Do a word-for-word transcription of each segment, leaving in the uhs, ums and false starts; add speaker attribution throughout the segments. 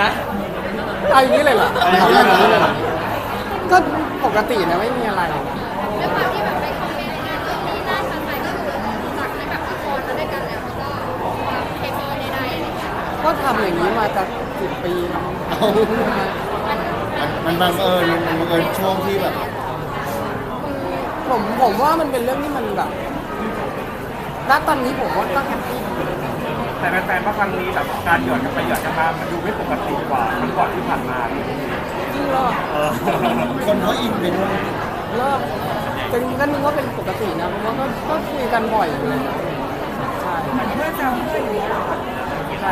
Speaker 1: ฮะเอาอย่างนี้เลยเหรอเอาอย่างนี้เลยเหรอก็ปกตินะไม่มีอะไร
Speaker 2: ด้วยความที่แบบไปคอมเมนต์งานเรื่องนี้น่าสนใจก็คือจากที่แบบละครมาด้วยกันแล้วก็ความเคมีในใดอะไรอย่างเงี้ย
Speaker 1: ก็ทำอย่างนี้มาจะสิบปีแล้ว
Speaker 3: มันบังเอิญมันบังเอิญช่วงที่แบบ
Speaker 1: ผมผมว่ามันเป็นเรื่องที่มันแบบณตอนนี้ผมว่าก็แฮปปี้
Speaker 4: แต่แฟนๆว่าครั้งนี้แบบการหยอดกันไปหยอดกันมามันดูไม่ปกติกว่ามันก่อนที่ผ่านมา
Speaker 1: จริงเหรอ
Speaker 4: เออ
Speaker 3: คนเขาอินไปด้วย
Speaker 1: เลิกจริงก็นึกว่าเป็นปกตินะเพราะว่าก็ก็คุยกันบ่อยอยู่เลยใช่เพื่อนเราเพื่อนอยู่ใช่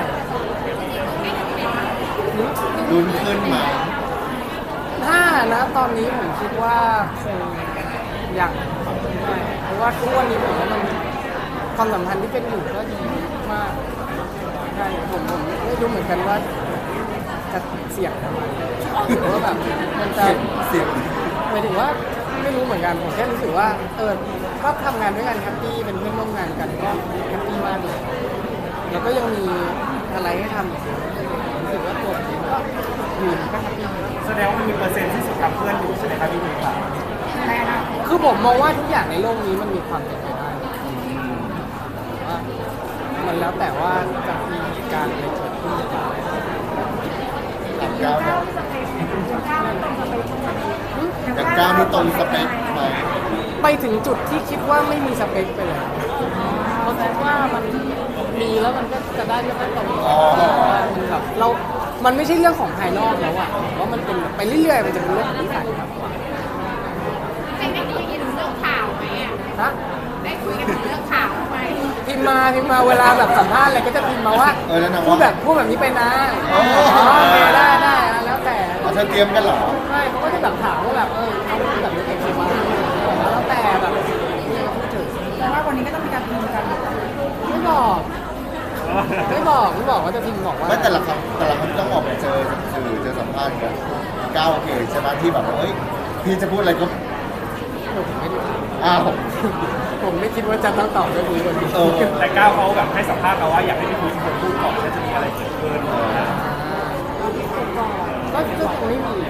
Speaker 3: ลุ้นขึ้นมา
Speaker 1: ถ้านะตอนนี้ผมคิดว่าคงยังใช่เพราะว่าทุกวันนี้ผมว่ามันความสัมพันธ์ที่เป็นอยู่ก็ดีมากใช่ผมผมไม่รู้เหมือนกันว่าจะเสี่ยงทำไมหรือว่าแบบมันจะ
Speaker 3: เสียง
Speaker 1: หมายถึงว่าไม่รู้เหมือนกันผมแค่รู้สึกว่าเออก็ทำงานด้วยกันแฮปปี้เป็นเพื่อนร่วมงานกันก็แฮปปี้มากเลยแล้วก็ยังมีอะไรให้ทำอีกรู้สึกว่าตัวผมเองก็อยู่ก็แฮปปี้
Speaker 4: แสดงว่ามันมีเปอร์เซ็นต์ที่สุดทำเพื่อนอยู่ใช่ไหมครับพี่พีครับ
Speaker 1: คือผมมองว่าทุกอย่างในโลกนี้มันมีความเป็นไปได้ว่ามันแล้วแต่ว่าจะมีเหตุการณ์อะไรเกิดขึ้นหรือเปล่า
Speaker 3: สามเก้าเนี่ยจากเก้านี่ตรงสเปคไหม
Speaker 1: ไปถึงจุดที่คิดว่าไม่มีสเปคไปเลยเพราะคิดว่ามันมีแล้วมันก็จะได้ไม่ค่อยตรงมันแบบเรา มันไม่ใช่เรื่องของภายนอกแล้วอะว่ามันเป็นไปเรื่อยๆมันจะเป็นเรื่องของนิสัยมากกว่า
Speaker 2: ได้ได้คุยกันถึงเรื่องข่าวไหมอ่ะ
Speaker 1: ฮะ
Speaker 2: ได้คุยกันถึงเรื่องข่าวไหม
Speaker 1: พิมพ์มาพิมพ์มาเวลาแบบสัมภาษณ์อะไรก็จะพิมพ์มาว่า
Speaker 3: เออแล้วนะ
Speaker 1: พูด
Speaker 3: ว่า
Speaker 1: แบบพูดแบบนี้ไปนะอ๋อโอเคได้ได้แล้วแต่
Speaker 3: เธอเตรียมกันเหรอ
Speaker 1: ใช่เขาก็จะแบบถามว่าแบบเออเขาพูดแบบนี้เองใช่ไหมแล้วแต่แบบนี่ก็พูดถึง
Speaker 5: แต่ว่าวันนี้ก็ต้องมีการพิมพ์กัน
Speaker 1: ไม่บอกไม่บอกไม่บอกว่าจะพิมพ์บอกว่า
Speaker 3: ไม่แต่ละครั้งแต่ละครั้งต้องออกมาเจอสื่อเจอสัมภาษณ์กันก้าวโอเคใช่ไหมที่แบบว่าเฮ้ยพี่จะพูดอะไรก็
Speaker 1: ผมไม่ได้
Speaker 3: อ้าว
Speaker 1: ผมไม่คิดว่าจะต้องตอบเรื่องนี้วันนี้
Speaker 3: เออ
Speaker 4: แต่ก้าวเขาแบบให้สัมภาษณ์เราว่าอยากให้พี่พีเป็นคนพูดก่อนแล้วจะมีอะไรเกิดขึ้น
Speaker 1: ก็ก็คงไม่มี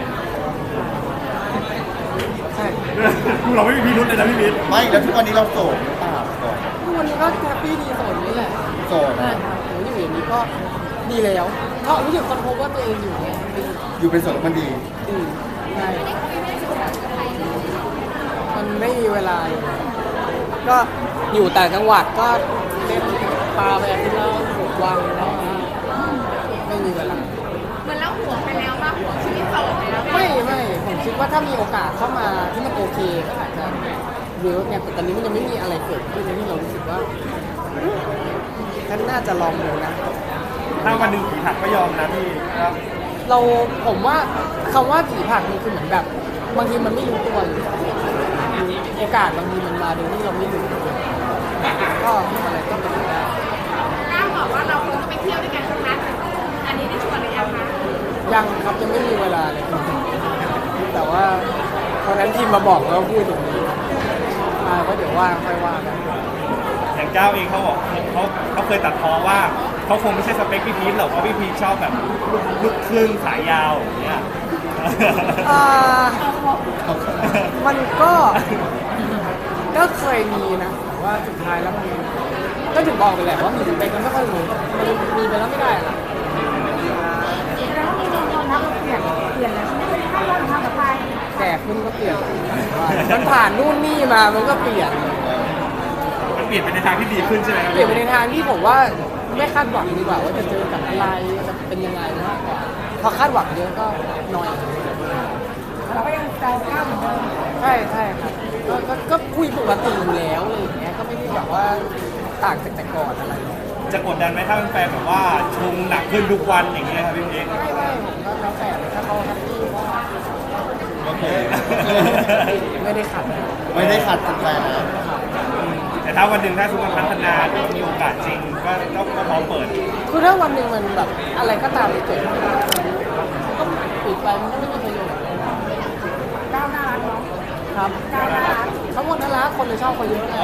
Speaker 1: ใช่
Speaker 4: เราไม่มีพิรุธเลยนะพี่พี
Speaker 3: ไม่แล้วทุกวันนี้เราโสดหรือเปล่าโสด
Speaker 1: ทุกวันนี้ก็แฮปปี้ดีโสดนี่แหละ
Speaker 3: โสด
Speaker 1: ใช่
Speaker 3: นะครับ
Speaker 1: ผมอยู่อย่างนี้ก็ดีแล้วเพราะรู้สึกคนพบว่าตัวเองอยู่เนี่ยดี
Speaker 3: อยู่เป็นโสดแล้วมันดี
Speaker 1: ดีใช่
Speaker 2: ได้คุยไม่ได้ศึกษากับใครเลย
Speaker 1: มันไม่มีเวลาเลยก็อยู่ต่างจังหวัดก็เล่นปลาไปอาทิตย์ละหกวันแล้วไม่มีเวลา
Speaker 2: เหมือนเราห่วงไปแล้วว่าห่วงชีวิตโสดไปแล้ว
Speaker 1: ไม่ไม่ผมคิดว่าถ้ามีโอกาสเข้ามาที่มันโอเคก็อาจจะเวิร์กเนี่ยแต่ตอนนี้มันยังไม่มีอะไรเกิดขึ้นที่เรารู้สึกว่าฉันน่าจะลองดูนะ
Speaker 4: ถ้าวันหนึ่งผีหักก็ยอมนะพี่ครับ
Speaker 1: เราผมว่าคำว่าผีผลักมันคือเหมือนแบบบางทีมันไม่รู้ตัวอยู่โอกาสบางทีมันมาโดยที่เราไม่รู้ก็อะไรก็เป็นไปได้
Speaker 2: ก้าวบอกว่าเราคงจะไปเที่ยวด้วยกันครั้งนั้นอันนี้ได้ชวนหรือยังคะ
Speaker 1: ยังครับยังไม่มีเวลาเลยแต่ว่าตอนนั้นทีมมาบอกแล้วพูดอย่างนี้มาก็เดี๋ยวว่างค่อยว่ากัน
Speaker 4: อย่างก้าวเองเขาบอกเขาเขาเคยตัดพ้อว่าเขาคงไม่ใช่สเปคพี่พีทหรอกเพราะพี่พีทชอบแบบลูกครึ่งขายาวอย่างเงี้ย
Speaker 1: อ่ามันก็ก็เคยมีนะแต่ว่าสุดท้ายแล้วมันก็ถึงบอกไปแหละว่ามีสเปคมันไม่ค่อยรู้มันมีไปแล้วไม่ได้หรอก
Speaker 5: แล้วมีโดนยอมรับเราเปลี่ยนเปลี่ยนแล้วใช่ไหมถ้าเราทำกับใคร
Speaker 1: แก่ขึ้นก็เปลี่ยนมันผ่านนู่นนี่มามันก็เปลี่ยน
Speaker 4: มันเปลี่ยนไปในทางที่ดีขึ้นใช่ไหมครับ
Speaker 1: เปลี่ยนไปในทางที่ผมว่าไม่คาดหวังดีกว่าว่าจะเจอกับอะไรจะเป็นยังไงมากกว่าพอคาดหวังเยอะก็น้อย
Speaker 5: เราก็ยังแซวก้าวเหมือนเดิม
Speaker 1: ใช่ใช่ครับก็ก็ก็คุยปกติอยู่แล้วอะไรอย่างเงี้ยก็ไม่ได้แบบว่าต่างจากแต่ก่อนอะไร
Speaker 4: จะกดดันไหมถ้าแฟนแบบว่าชงหนักขึ้นทุกวันอย่างเงี้ยครับพี่เอก
Speaker 1: ไม่ไม่ผมก็แล้วแต่ถ้าเขาแฮปปี้ก็
Speaker 3: โอเค
Speaker 1: ไม่ได้ขัดนะ
Speaker 3: ไม่ได้ขัดกันไปนะ
Speaker 4: แต่ถ้าวันหนึ่งถ้าสมมติพัฒนาหรือว่ามีโอกาสจริงก็ก็ก็พร้อมเปิด
Speaker 1: คือถ้าวันหนึ่งมันแบบอะไรก็ตามที่เกิดขึ้นก็ปิดไปมันก็ไม่มีประโยชน์
Speaker 5: ก้าวน่ารักเนาะ
Speaker 1: ครับ
Speaker 5: ก้าวน่ารัก
Speaker 1: ทั้งหมดน่ารักคนเลยชอบเขาเยอะไง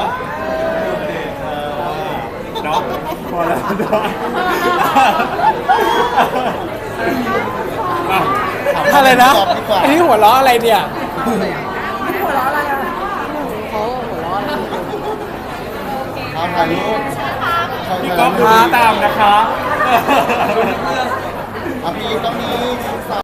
Speaker 4: เนาะพอแล้วเนาะอ่ะ
Speaker 1: อะไรนะ
Speaker 3: ตอบดีกว่า
Speaker 1: อันนี้หัวเราะอะไรเนี่ย
Speaker 5: หัวเราะอะไรอ่ะ
Speaker 1: เขาหัวเราะอะไร
Speaker 3: เอาถ่ายรูป
Speaker 4: พี่ก๊อฟดูตามนะคะ
Speaker 3: อ่ะพี่ต้องมี